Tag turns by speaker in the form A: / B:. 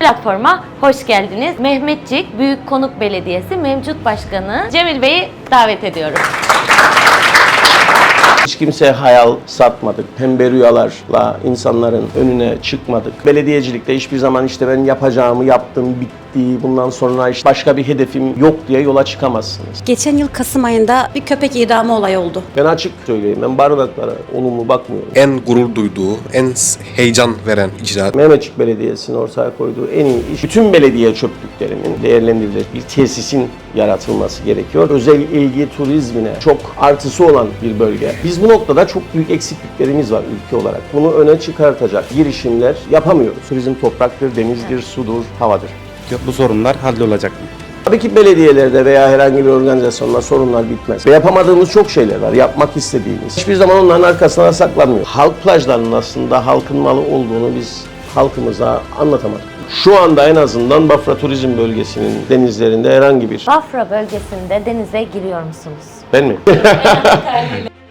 A: Platforma hoş geldiniz. Mehmetçik Büyükkonuk Belediyesi mevcut başkanı Cemil Bey'i davet ediyorum.
B: Hiç kimseye hayal satmadık. Pembe rüyalarla insanların önüne çıkmadık. Belediyecilikte hiçbir zaman işte ben yapacağımı yaptım, bitti, bundan sonra işte başka bir hedefim yok diye yola çıkamazsınız.
C: Geçen yıl Kasım ayında bir köpek idamı olayı oldu.
B: Ben açık söyleyeyim, ben barınaklara olumlu bakmıyorum.
D: En gurur duyduğu, en heyecan veren icraat.
B: Mehmetçik Belediyesi'nin ortaya koyduğu en iyi iş, bütün belediye çöplüklerinin değerlendirilecek bir tesisin yaratılması gerekiyor. Özel ilgi turizmine çok artısı olan bir bölge. Biz bu noktada çok büyük eksikliklerimiz var ülke olarak. Bunu öne çıkartacak girişimler yapamıyoruz. Turizm topraktır, denizdir, sudur, havadır.
E: Bu sorunlar hallolacak mı?
B: Tabii ki belediyelerde veya herhangi bir organizasyonda sorunlar bitmez. Ve yapamadığımız çok şeyler var, yapmak istediğimiz. Hiçbir zaman onların arkasına saklanmıyor. Halk plajlarının aslında halkın malı olduğunu biz halkımıza anlatamadık. Şu anda en azından Bafra Turizm Bölgesi'nin denizlerinde herhangi bir...
A: Bafra bölgesinde denize giriyor musunuz?
B: Ben mi?